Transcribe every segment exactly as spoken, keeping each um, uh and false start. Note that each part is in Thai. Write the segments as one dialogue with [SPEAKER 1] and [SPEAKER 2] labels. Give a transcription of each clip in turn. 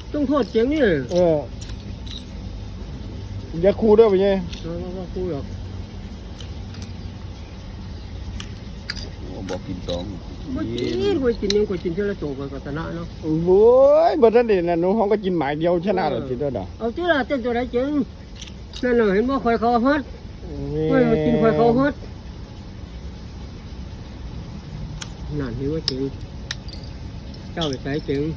[SPEAKER 1] ต้องโทษเจ๋งนี่
[SPEAKER 2] เอออย่าคูด้วยไปไง
[SPEAKER 1] เราก็คุยหรอก
[SPEAKER 3] บอกกินสอง
[SPEAKER 1] ไม่กินกูกินยังกูกินเท่าไรโจกกับชนะเนาะ
[SPEAKER 2] โอ้ยเบอร์ทันเด่นนะหนูห้องก็กินหมายเดียวชนะหรอทีเดียวดอก
[SPEAKER 1] เอาที่ละเต้นตัวไหนเจ๋งนั่นน่ะเห็นว่าคอยเขาฮัดไม่กินคอยเขาฮัดนั่นเห็นว่าเจ๋งเจ้าไปใส่เจ๋ง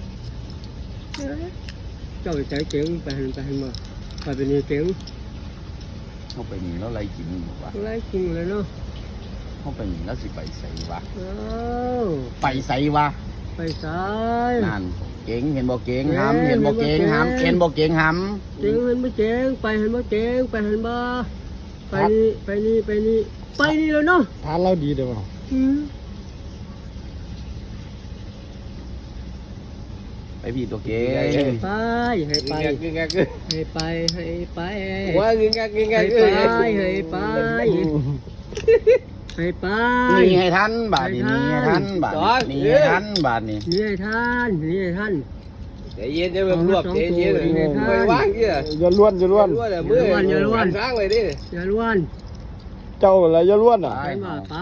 [SPEAKER 1] เจ้าไปใส่เจ๋งไปหันไปหันมาไปเป็นนี่เจ๋ง
[SPEAKER 3] เข้าไปนี่แล้วไรกินวะ
[SPEAKER 1] ไรกินเลยเนาะ
[SPEAKER 3] เข้าไปนี่แล้วสิไปใส่วะ
[SPEAKER 1] ไป
[SPEAKER 3] ใส่วะ
[SPEAKER 1] ไปใส่
[SPEAKER 3] นั่นเก่งเห็นบ่เก่งหำเห็นบ่เก่งหำเห็นบ่เก่งห
[SPEAKER 1] ำเจ๋งเห็นบ่เจ๋งไปเห็นบ่เจ๋งไปเห็นบ่ไปนี่ไปนี่ไปนี่ไปนี่แล้วเนาะ
[SPEAKER 2] ทานเราดีเด้อ
[SPEAKER 3] ไปพี่ตัวเก่
[SPEAKER 1] งไปให้ไปให้ไปให้ไป
[SPEAKER 3] ว่าเงงเงง
[SPEAKER 1] ให้ไปให้ไปให้ไป
[SPEAKER 3] นี่ให้ท่านบาทนี้นี่ให้ท่านบาทนี้นี่ให้ท่านบาทนี้
[SPEAKER 1] นี่ให้ท่านนี่ให้ท่าน
[SPEAKER 4] ใจเย็นจะแบบรวบใจเย็นไม่ว่างเกี่ย
[SPEAKER 2] อย่าล้วนอย่าล้วน
[SPEAKER 1] อย่าล้วนอย่าล้วน
[SPEAKER 4] สร้างเลยดิ
[SPEAKER 1] อย่าล้วน
[SPEAKER 2] เจ้าอะไรอย่าล้วนอ่ะ
[SPEAKER 1] ไปมาไป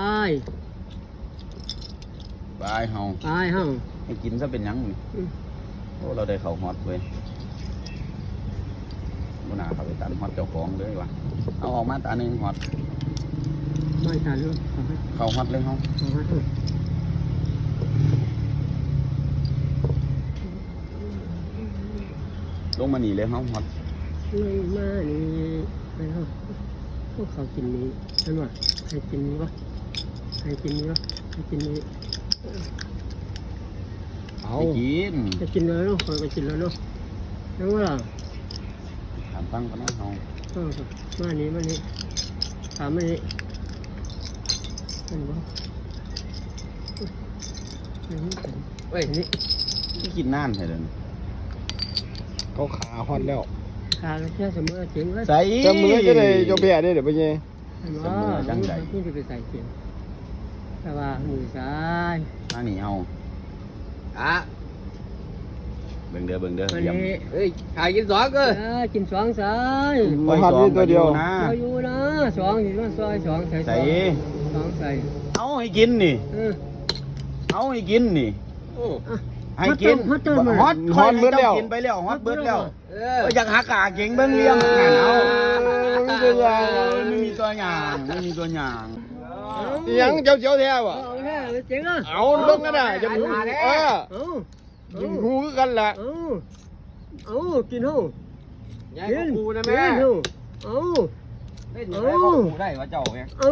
[SPEAKER 3] ไปเฮา
[SPEAKER 1] ไปเฮา
[SPEAKER 3] ให้กินซะเป็นยังโอ้เราได้เขาฮอตเว้ยบุญนาเขาไปตัดฮอตเจ้าของเลยวะเอาออกมาตาหนึ่งฮอต
[SPEAKER 1] ไม่ตัดเลย
[SPEAKER 3] เขาฮอตเลยเขาลงมาหนีเลยเขาฮอต
[SPEAKER 1] ลงมาหนีไปเขาพวกเขากินนี้นั่นวะใครกินนี้วะใครกินนี้วะใครกินนี้
[SPEAKER 3] เอากิน
[SPEAKER 1] จะกินเลยเนาะคอยไปกินแล้วเนาะยังว่าล่ะ
[SPEAKER 3] ถามฟังกันนะเขา
[SPEAKER 1] มานี้มานี้ถามมานี้เห็นบ่เฮ้ยนี่
[SPEAKER 3] ที่กินน่านใช่เลย
[SPEAKER 2] เขาขาฮอตแล้ว
[SPEAKER 1] ขาแค่เสมอเจ๋งเลย
[SPEAKER 3] ใส่
[SPEAKER 2] เสมอจะได้ยกเบี้ยได้เดี๋ยวไปไง
[SPEAKER 1] เสมอจังใจที่จะไปใส่เจ๋งแต่ว่าหมูสาย
[SPEAKER 3] มาหนีเอา
[SPEAKER 4] อ่ะ
[SPEAKER 3] เบิ่งเด้อเบิ่งเด้อ
[SPEAKER 1] เยี่ยม
[SPEAKER 4] เฮ้ยขายกินสองก็
[SPEAKER 1] กินสองสาย
[SPEAKER 2] มาหัดนี่ตัวเดียว
[SPEAKER 3] นะ
[SPEAKER 1] อยู่นะสองเห็นว่าซอยสองใส่
[SPEAKER 3] ใส่
[SPEAKER 1] สองใส่
[SPEAKER 3] เอาให้กินนี่เอาให้กินนี่ให้กินฮอตฮอตฮอตเบิดแล้วกินไปแล้วฮอตเบิดแล้วอยากหักกาเก่งเบิ่งเลี้ยงงานเอาไม่เป็นไรไม่มีตัวอย่างไม่มีตัวอย่าง
[SPEAKER 2] ยังเจ้าเจ้าแท้วะ
[SPEAKER 1] เจ๋งอ่ะ
[SPEAKER 2] เอาลงกันได้จะหูเออยิงหูกันแหละ
[SPEAKER 1] เอาเอากินหู
[SPEAKER 4] กินหูนะแม่
[SPEAKER 1] เอา
[SPEAKER 4] เล่นอย่างไรก็หูได้วะเจ้าเนี่ย
[SPEAKER 1] เอา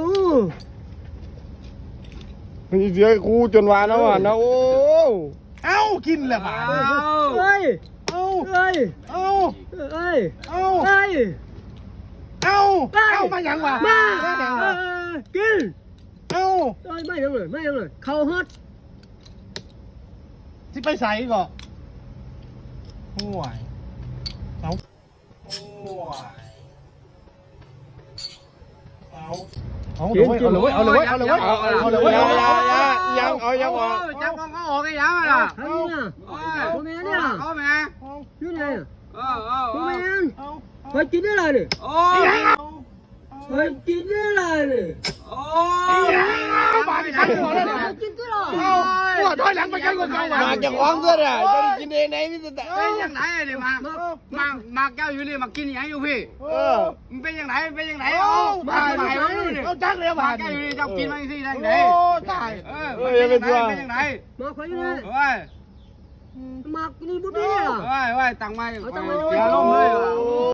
[SPEAKER 2] มีเสียกูจนวานแล้วอ่ะนะโอ้
[SPEAKER 3] เอากินแหละบ้า
[SPEAKER 1] เฮ้ย
[SPEAKER 3] เอา
[SPEAKER 1] เฮ้ย
[SPEAKER 3] เอา
[SPEAKER 1] เฮ้ย
[SPEAKER 3] เอา
[SPEAKER 1] เฮ้ย
[SPEAKER 3] เอาเอามาอย่างวะ
[SPEAKER 1] มากิน
[SPEAKER 3] เอา
[SPEAKER 1] ไม่ยังเลยไม่ยังเลยเขาฮอต
[SPEAKER 3] ที่ไปใส่ก่อนห่วยเอาห่วยเอาเอาเลยเอาเลยเอาเลยเอาเลยเอาเลยเอาเลย
[SPEAKER 2] ยังเอายังเอา
[SPEAKER 4] จับของเขาออกไอ้ยังอ่ะ
[SPEAKER 1] ทำเนี่ยโมเมนเนี่ย
[SPEAKER 4] เขาแม่
[SPEAKER 1] นี่ไง
[SPEAKER 4] เออเออ
[SPEAKER 1] โมเมนไปกินได้เลยเนี่ย
[SPEAKER 4] โอ้
[SPEAKER 1] ไปกินได้เลยเนี่ย
[SPEAKER 4] โอ้ย
[SPEAKER 3] มาดิครับหัวเลย
[SPEAKER 1] กินได้เลย
[SPEAKER 3] หัวถอยหลังไปกันก่อน
[SPEAKER 2] มาจะคล้องเพื่อนอ่ะจะกินเองไหนมิสเตอร์
[SPEAKER 4] เป็นยังไงเนี่ยมามามาแก้วอยู่นี่มากินยังอยู่พี่
[SPEAKER 2] เออ
[SPEAKER 4] มันเป็นยังไงเป็นยังไงโอ้มาไหนวะนี่
[SPEAKER 3] เอาจักเลยมา
[SPEAKER 4] แก้วอยู่นี่เจ้ากินมาสิได้ไหน
[SPEAKER 3] โอ้ตาย
[SPEAKER 4] เออเป็นยังไงเป็นยังไง
[SPEAKER 1] มาคอยอยู่นี่
[SPEAKER 4] เฮ้ย
[SPEAKER 1] มากินบุตรเนี่ย
[SPEAKER 4] เฮ้ยเฮ้ยตังมาเสียลมเลย